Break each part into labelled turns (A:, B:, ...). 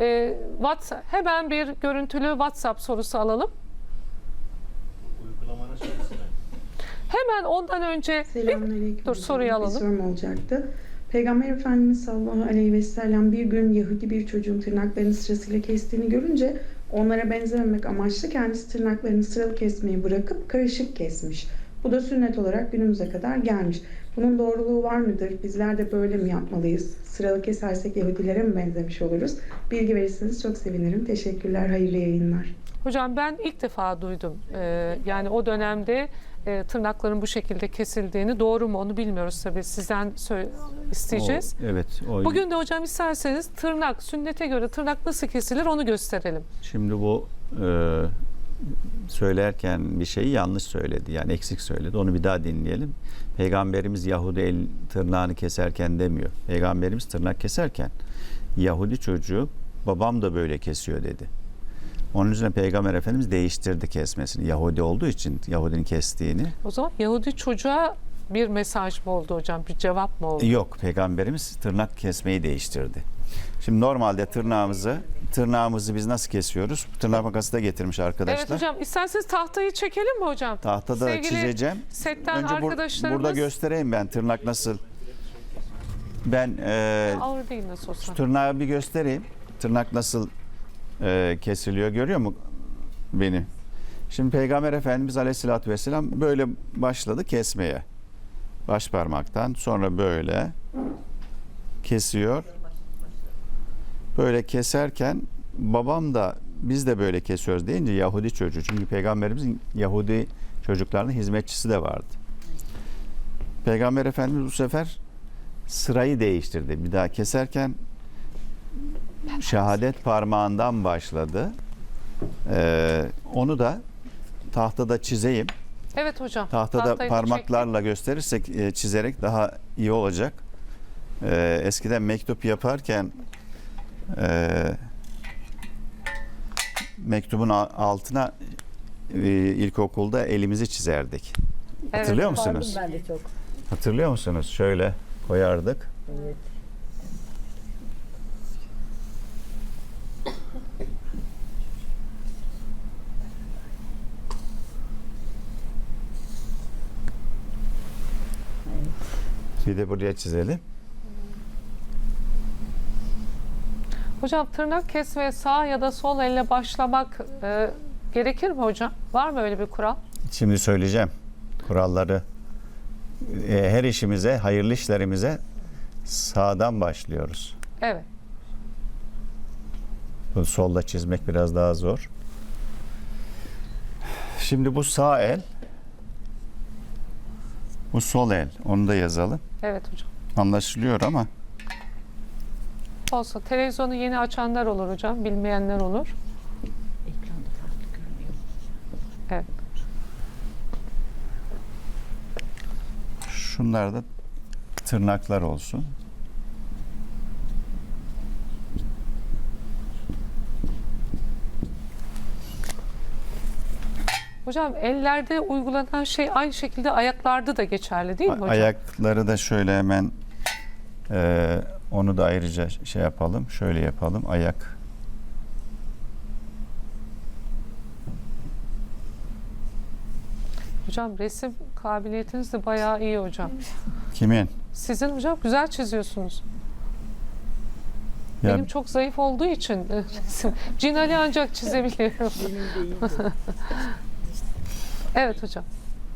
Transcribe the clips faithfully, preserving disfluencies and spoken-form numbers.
A: e, WhatsApp, hemen bir görüntülü WhatsApp sorusu alalım.
B: Uygulamanın şeysi mi?
A: Hemen ondan önce bir, dur soruyu alalım.
C: Bir sorum olacaktı. Peygamber Efendimiz sallallahu aleyhi ve sellem bir gün Yahudi bir çocuğun tırnaklarını sırasıyla kestiğini görünce onlara benzememek amaçlı kendisi tırnaklarını sıralı kesmeyi bırakıp karışık kesmiş. Bu da sünnet olarak günümüze kadar gelmiş. Bunun doğruluğu var mıdır? Bizler de böyle mi yapmalıyız? Sıralı kesersek Yahudilere mi benzemiş oluruz? Bilgi verirseniz çok sevinirim. Teşekkürler, hayırlı yayınlar.
A: Hocam ben ilk defa duydum. Ee, yani o dönemde e, tırnakların bu şekilde kesildiğini, doğru mu onu bilmiyoruz tabii. Sizden isteyeceğiz.
D: O, evet. O,
A: Bugün de hocam isterseniz tırnak, sünnete göre tırnak nasıl kesilir onu gösterelim.
D: Şimdi bu e, söylerken bir şeyi yanlış söyledi. Yani eksik söyledi. Onu bir daha dinleyelim. Peygamberimiz Yahudi el tırnağını keserken demiyor. Peygamberimiz tırnak keserken Yahudi çocuğu babam da böyle kesiyor dedi. Onun üzerine Peygamber Efendimiz değiştirdi kesmesini. Yahudi olduğu için Yahudinin kestiğini.
A: O zaman Yahudi çocuğa bir mesaj mı oldu hocam? Bir cevap mı oldu?
D: Yok. Peygamberimiz tırnak kesmeyi değiştirdi. Şimdi normalde tırnağımızı tırnağımızı biz nasıl kesiyoruz? Tırnak makası da getirmiş arkadaşlar.
A: Evet hocam. İsterseniz tahtayı çekelim mi hocam?
D: Tahtada
A: Sevgili
D: çizeceğim.
A: setten
D: Önce bur-
A: arkadaşlarımız.
D: burada göstereyim ben tırnak nasıl. Ben e,
A: Ağır değil nasıl olsa.
D: tırnağı bir göstereyim. Tırnak nasıl e, kesiliyor, görüyor mu beni? Şimdi Peygamber Efendimiz Aleyhisselatü Vesselam böyle başladı kesmeye. Baş parmaktan sonra böyle kesiyor. Böyle keserken babam da biz de böyle kesiyoruz deyince Yahudi çocuğu. Çünkü Peygamberimizin Yahudi çocuklarının hizmetçisi de vardı. Peygamber Efendimiz bu sefer sırayı değiştirdi. Bir daha keserken şehadet parmağından başladı. Ee, onu da tahtada çizeyim.
A: Evet hocam.
D: Tahtada
A: tahtayı da
D: parmaklarla gösterirsek, e, çizerek daha iyi olacak. Ee, eskiden mektup yaparken e, mektubun a- altına e, ilkokulda elimizi çizerdik.
A: Evet.
D: Hatırlıyor musunuz?
E: Ben de çok.
D: Hatırlıyor musunuz? Şöyle koyardık.
E: Evet.
D: Bir de buraya çizelim.
A: Hocam tırnak kesmeye sağ ya da sol elle başlamak e, gerekir mi hocam? Var mı öyle bir kural?
D: Şimdi söyleyeceğim kuralları. E, her işimize, hayırlı işlerimize sağdan başlıyoruz.
A: Evet.
D: Bu solda çizmek biraz daha zor. Şimdi bu sağ el, bu sol el. Onu da yazalım.
A: Evet hocam.
D: Anlaşılıyor ama
A: Olsa televizyonu yeni açanlar olur hocam. Bilmeyenler olur.
E: Ekranda farklı görünüyor.
A: Evet.
D: şunlar da tırnaklar olsun.
A: Hocam ellerde uygulanan şey aynı şekilde ayaklarda da geçerli değil mi hocam?
D: Ayakları da şöyle hemen e, onu da ayrıca şey yapalım. Şöyle yapalım. Ayak.
A: Hocam resim kabiliyetiniz de bayağı iyi hocam.
D: Kimin?
A: Sizin hocam güzel çiziyorsunuz.
D: Ya,
A: Benim çok zayıf olduğu için resim. Cinali ancak çizebiliyorum.
E: Benim de iyiydi.
A: Evet hocam.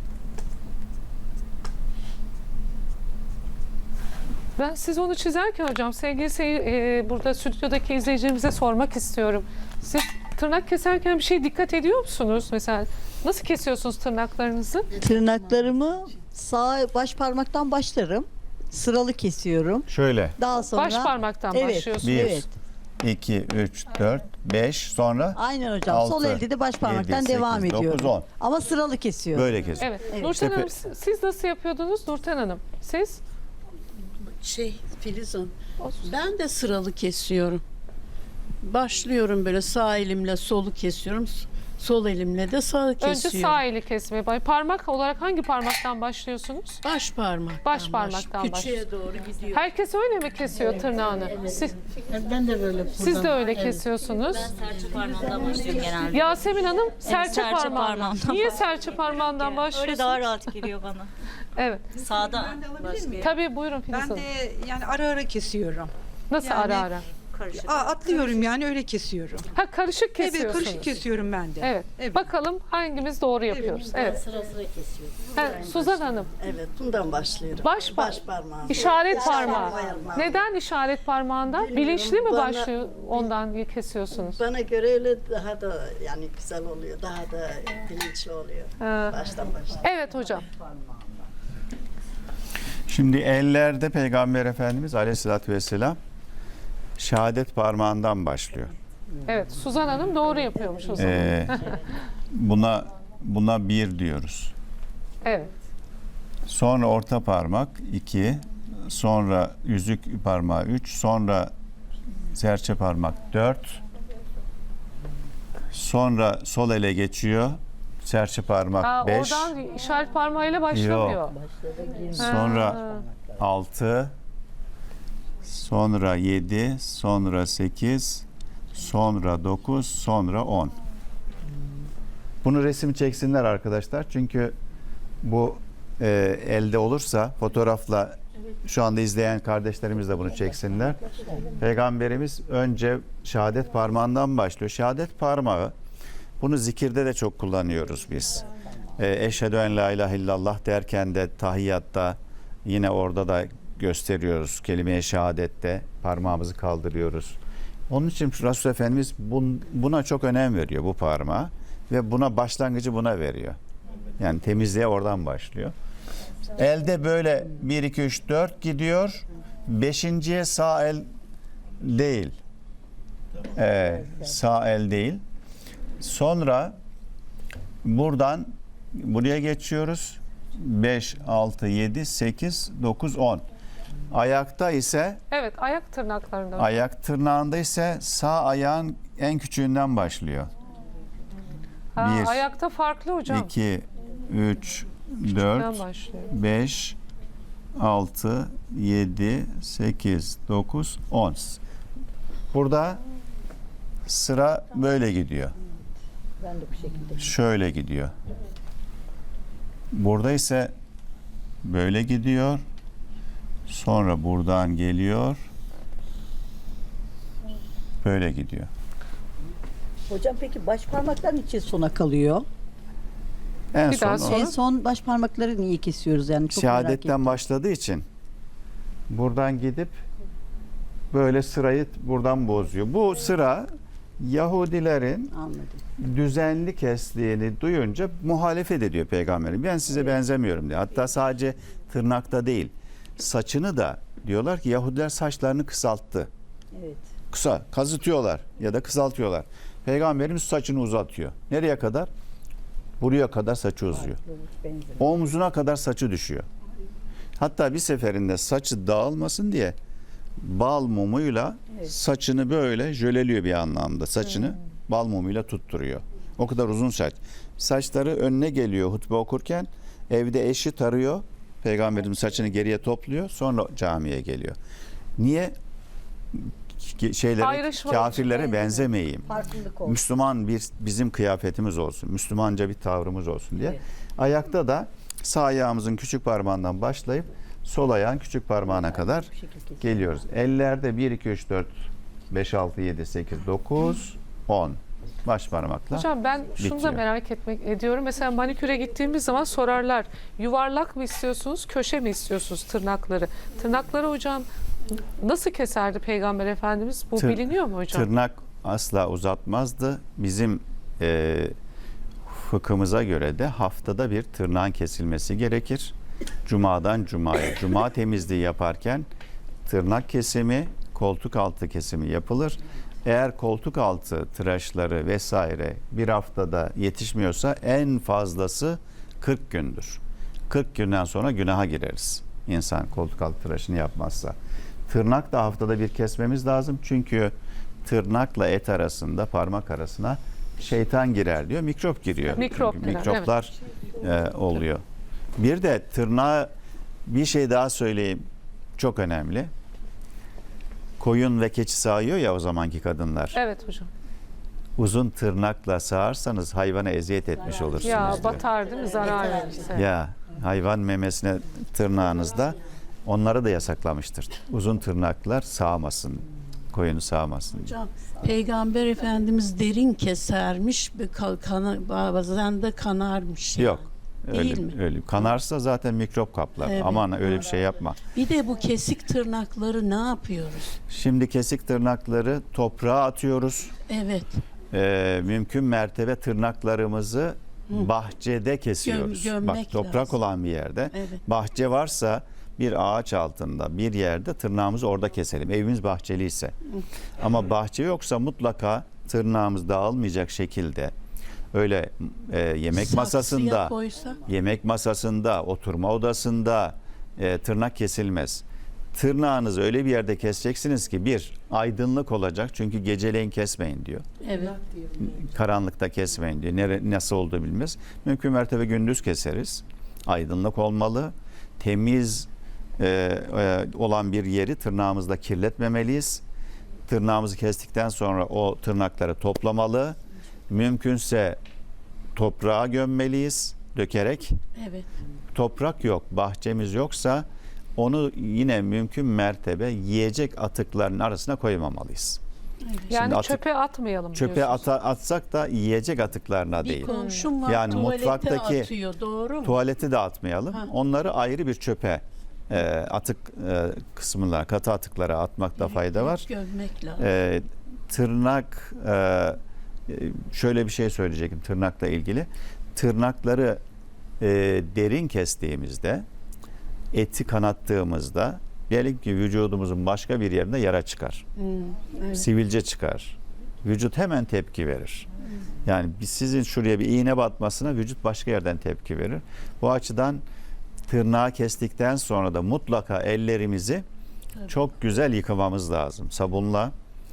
A: Ben siz onu çizerken hocam sevgili seyir, e, burada stüdyodaki izleyicilerimize sormak istiyorum. Siz tırnak keserken bir şey dikkat ediyor musunuz? Mesela nasıl kesiyorsunuz tırnaklarınızı?
F: Tırnaklarımı sağ baş parmaktan başlarım. Sıralı kesiyorum.
D: şöyle.
F: Daha sonra
A: Baş parmaktan
F: evet,
A: başlıyorsunuz.
D: Bir,
F: evet.
D: iki, üç, dört, beş, sonra
F: Aynen hocam.
D: altı,
F: Sol elde de baş parmaktan
D: yedi,
F: devam
D: sekiz,
F: ediyorum.
D: dokuz, on.
F: Ama sıralı kesiyorum.
D: Böyle kesiyor.
A: Evet.
F: Evet.
A: Nurten
D: Tepe-
A: Hanım siz nasıl yapıyordunuz Nurten Hanım? Siz?
G: Şey Filizon, ben de sıralı kesiyorum. Başlıyorum böyle sağ elimle solu kesiyorum. Sol elimle de sağ kesiyorum.
A: Önce sağ eli kesmeye bay. Parmak olarak hangi parmaktan başlıyorsunuz?
G: Baş parmaktan.
A: Baş parmaktan
G: baş.
A: başlıyor.
G: Küçüğe doğru gidiyor.
A: Herkes öyle mi kesiyor tırnağını? Siz,
E: Ben de böyle
A: siz de öyle kesiyorsunuz.
B: Serçe parmağından başlıyorum genelde.
A: Yasemin Hanım serçe,
B: serçe
A: parmağından.
B: parmağından
A: Niye serçe parmağından
B: Öyle
A: başlıyorsunuz?
B: daha rahat geliyor bana.
A: Evet.
B: Sağda
H: miyim?
A: Tabii buyurun Filiz
H: Ben
A: Hanım.
H: de yani ara ara kesiyorum.
A: Nasıl
H: yani-
A: ara ara?
B: karışık.
H: Aa, atlıyorum yani öyle kesiyorum.
A: Ha karışık kesiyorsunuz.
H: Evet karışık kesiyorum ben de.
A: Evet.
H: Evet.
A: Bakalım hangimiz doğru yapıyoruz. Evet.
E: sıra sıra kesiyorum.
A: Ha, Suzan Hanım.
I: Evet, bundan başlıyorum.
A: Baş, par-
I: Baş parmağı.
A: İşaret parmağı.
I: parmağı.
A: Neden işaret parmağından?
I: Bilmiyorum,
A: Bilinçli mi
I: bana-
A: başlıyor ondan kesiyorsunuz?
I: Bana göre öyle daha da yani güzel oluyor, daha da bilinçli oluyor.
A: Ha.
I: Baştan başla.
A: Evet hocam.
D: Şimdi ellerde Peygamber Efendimiz Aleyhisselatü Vesselam şehadet parmağından başlıyor.
A: Evet. Suzan Hanım doğru yapıyormuş o zaman.
D: Ee, buna buna bir diyoruz.
A: Evet.
D: Sonra orta parmak iki, sonra yüzük parmağı üç, sonra serçe parmak dört, sonra sol ele geçiyor, serçe parmak
A: Ha,
D: beş,
A: oradan işaret parmağıyla başlamıyor.
D: sonra
A: Ha.
D: altı, sonra yedi, sonra sekiz, sonra dokuz, sonra on. Bunu resim çeksinler arkadaşlar. Çünkü bu e, elde olursa fotoğrafla şu anda izleyen kardeşlerimiz de bunu çeksinler. Peygamberimiz önce şehadet parmağından başlıyor. Şehadet parmağı, bunu zikirde de çok kullanıyoruz biz. E, Eşhedü en la ilahe illallah derken de tahiyyatta yine orada da gösteriyoruz. Kelime-i şehadette parmağımızı kaldırıyoruz. Onun için Resul Efendimiz bun, buna çok önem veriyor, bu parmağa. Ve buna başlangıcı buna veriyor. Yani temizliğe oradan başlıyor. Elde böyle bir, iki, üç, dört gidiyor. Beşinciye sağ el değil. Ee, sağ el değil. Sonra buradan buraya geçiyoruz. beş, altı, yedi, sekiz, dokuz, on. Ayakta ise
A: Evet. Ayak tırnaklarında.
D: ayak tırnağında ise sağ ayağın en küçüğünden başlıyor.
A: Ha,
D: bir,
A: ayakta farklı hocam.
D: iki, üç,
A: Ben
D: dört,
A: başlıyor.
D: beş, altı, yedi, sekiz, dokuz, on. Burada sıra böyle gidiyor.
E: Ben de bu şekilde.
D: Şöyle gidiyor. Burada ise böyle gidiyor. Sonra buradan geliyor. Böyle gidiyor.
F: Hocam peki baş parmaklar için sona kalıyor?
D: En
A: Bir
D: son
A: daha
D: o.
A: Sonra?
F: En son baş parmakları niye kesiyoruz yani çok merak ettim.
D: Şehadetten başladığı için buradan gidip böyle sırayı buradan bozuyor. Bu sıra Yahudilerin
F: Anladım.
D: düzenli kestiğini duyunca muhalefet ediyor peygamberim. Ben size benzemiyorum diye. Hatta sadece tırnakta değil, saçını da diyorlar ki Yahudiler saçlarını kısalttı.
F: Evet.
D: Kısa, kazıtıyorlar ya da kısaltıyorlar. Peygamberimiz saçını uzatıyor. Nereye kadar? Buraya kadar saçı uzuyor. Omzuna kadar saçı düşüyor. Hatta bir seferinde saçı dağılmasın diye bal mumuyla saçını böyle jöleliyor bir anlamda. Saçını bal mumuyla tutturuyor. O kadar uzun saç. Saçları önüne geliyor hutbe okurken. Evde eşi tarıyor. Peygamberimiz saçını geriye topluyor. Sonra camiye geliyor. Niye? Ki- Şeylere,
A: Ayrışma
D: kafirlere
F: için.
D: benzemeyeyim.
F: Farklılık olsun.
D: Müslüman bir bizim kıyafetimiz olsun. Müslümanca bir tavrımız olsun diye.
F: Evet.
D: Ayakta da sağ ayağımızın küçük parmağından başlayıp sol ayağın küçük parmağına kadar
F: Bu şekilde kesiyoruz.
D: geliyoruz. Ellerde bir, iki, üç, dört, beş, altı, yedi, sekiz, dokuz, on. Baş parmakla.
A: Hocam ben şunu da
D: bitiyor.
A: merak etmek ediyorum. Mesela maniküre gittiğimiz zaman sorarlar. Yuvarlak mı istiyorsunuz, köşe mi istiyorsunuz tırnakları? Tırnakları hocam nasıl keserdi Peygamber Efendimiz? Bu
D: Tır-
A: biliniyor mu hocam?
D: Tırnak asla uzatmazdı. Bizim e, fıkhımıza göre de haftada bir tırnağın kesilmesi gerekir. Cumadan cumaya. Cuma temizliği yaparken tırnak kesimi, koltuk altı kesimi yapılır. Eğer koltuk altı tıraşları vesaire bir haftada yetişmiyorsa en fazlası kırk gündür. kırk günden sonra günaha gireriz. İnsan koltuk altı tıraşını yapmazsa. Tırnak da haftada bir kesmemiz lazım. Çünkü tırnakla et arasında, parmak arasına şeytan girer diyor, mikrop giriyor.
A: Mikrop
D: Çünkü
A: girer,
D: mikroplar e, oluyor. Bir de tırnağa bir şey daha söyleyeyim, çok önemli. Koyun ve keçi sağıyor ya o zamanki kadınlar.
A: Evet hocam.
D: Uzun tırnakla sağarsanız hayvana eziyet etmiş olursunuz
A: Ya
D: diyor.
A: batar değil mi? Zarar verir. Evet.
D: Ya hayvan memesine tırnağınızda onları da yasaklamıştır. Uzun tırnaklar sağmasın, koyunu sağmasın.
G: Hocam Peygamber Efendimiz derin kesermiş, bir ka- kana- bazen de kanarmış.
D: Yok.
G: Değil
D: Öyle,
G: mi?
D: öyle. Kanarsa zaten mikrop kaplar.
G: Evet.
D: Aman öyle bir şey yapma.
G: Bir de bu kesik tırnakları ne yapıyoruz?
D: Şimdi kesik tırnakları toprağa atıyoruz.
G: Evet.
D: Ee, mümkün mertebe tırnaklarımızı
G: Hı.
D: bahçede kesiyoruz.
G: Göm- gömmek
D: Bak toprak
G: lazım.
D: olan bir yerde.
G: Evet.
D: Bahçe varsa bir ağaç altında bir yerde tırnağımızı orada keselim. Evimiz bahçeliyse. Ama bahçe yoksa mutlaka tırnağımız dağılmayacak şekilde öyle e, yemek
G: Saksıya
D: masasında,
G: koysa?
D: yemek masasında, oturma odasında e, tırnak kesilmez. Tırnağınızı öyle bir yerde keseceksiniz ki bir, aydınlık olacak. Çünkü geceleyin kesmeyin diyor.
G: Evet.
D: Karanlıkta kesmeyin diyor. Nere, nasıl olduğu bilmez. Mümkün mertebe gündüz keseriz. Aydınlık olmalı. Temiz e, e, olan bir yeri tırnağımızla kirletmemeliyiz. Tırnağımızı kestikten sonra o tırnakları toplamalı. Mümkünse toprağa gömmeliyiz dökerek.
G: Evet.
D: Toprak yok, bahçemiz yoksa onu yine mümkün mertebe yiyecek atıkların arasına koymamalıyız.
A: Yani
D: Şimdi atık-
A: çöpe atmayalım
D: Çöpe
A: diyorsunuz.
D: ata, atsak da yiyecek atıklarına
G: Bir
D: değil.
G: komşum var
D: Yani
G: tuvalete
D: mutfaktaki
G: atıyor, doğru mu?
D: Tuvaleti de atmayalım.
G: Ha.
D: Onları ayrı bir çöpe e, atık e, kısmına, katı atıklara atmakta fayda var.
G: Gömmek lazım.
D: E, tırnak e, şöyle bir şey söyleyecektim tırnakla ilgili. Tırnakları e, derin kestiğimizde, eti kanattığımızda diyelim ki vücudumuzun başka bir yerinde yara çıkar.
G: Hmm, evet.
D: Sivilce çıkar. Vücut hemen tepki verir. Yani biz- sizin şuraya bir iğne batmasına vücut başka yerden tepki verir. Bu açıdan tırnağı kestikten sonra da mutlaka ellerimizi
G: Tabii.
D: çok güzel yıkamamız lazım. Sabunla,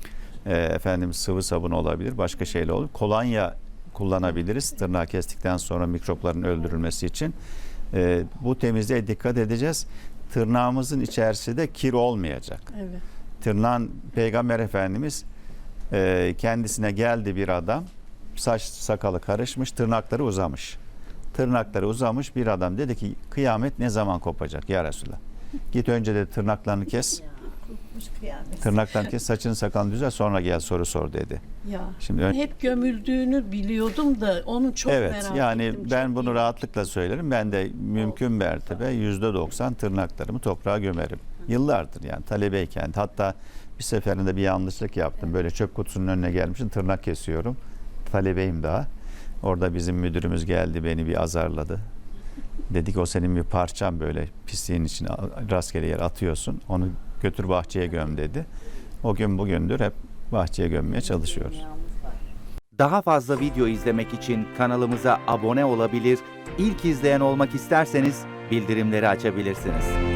D: e, efendim sıvı sabun olabilir, başka şeyle olur. Kolonya kullanabiliriz tırnağı kestikten sonra mikropların öldürülmesi için. E, bu temizliğe dikkat edeceğiz. Tırnağımızın içerisinde kir olmayacak.
G: Evet.
D: Tırnağın Peygamber Efendimiz e, kendisine geldi bir adam, saç sakalı karışmış, tırnakları uzamış. Tırnakları uzamış bir adam dedi ki kıyamet ne zaman kopacak ya Resulallah? Git önce de tırnaklarını kes. Tırnaklarını kes, saçını sakalını düzelt, sonra gel soru sor dedi.
G: Ya.
D: Şimdi ön-
G: Hep gömüldüğünü biliyordum da onu çok
D: evet
G: merak
D: yani
G: ettim.
D: ben
G: Çok
D: bunu
G: iyi.
D: rahatlıkla söylerim. Ben de mümkün mertebe yüzde doksan tırnaklarımı toprağa gömerim. Yıllardır yani talebeyken, hatta bir seferinde bir yanlışlık yaptım. Böyle çöp kutusunun önüne gelmişim, tırnak kesiyorum. Talebeyim daha. Orada bizim müdürümüz geldi, beni bir azarladı. Dedik o senin bir parçan, böyle pisliğin içine rastgele yer atıyorsun. Onu götür bahçeye göm dedi. O gün bugündür hep bahçeye gömmeye çalışıyoruz.
J: Daha fazla video izlemek için kanalımıza abone olabilir, ilk izleyen olmak isterseniz bildirimleri açabilirsiniz.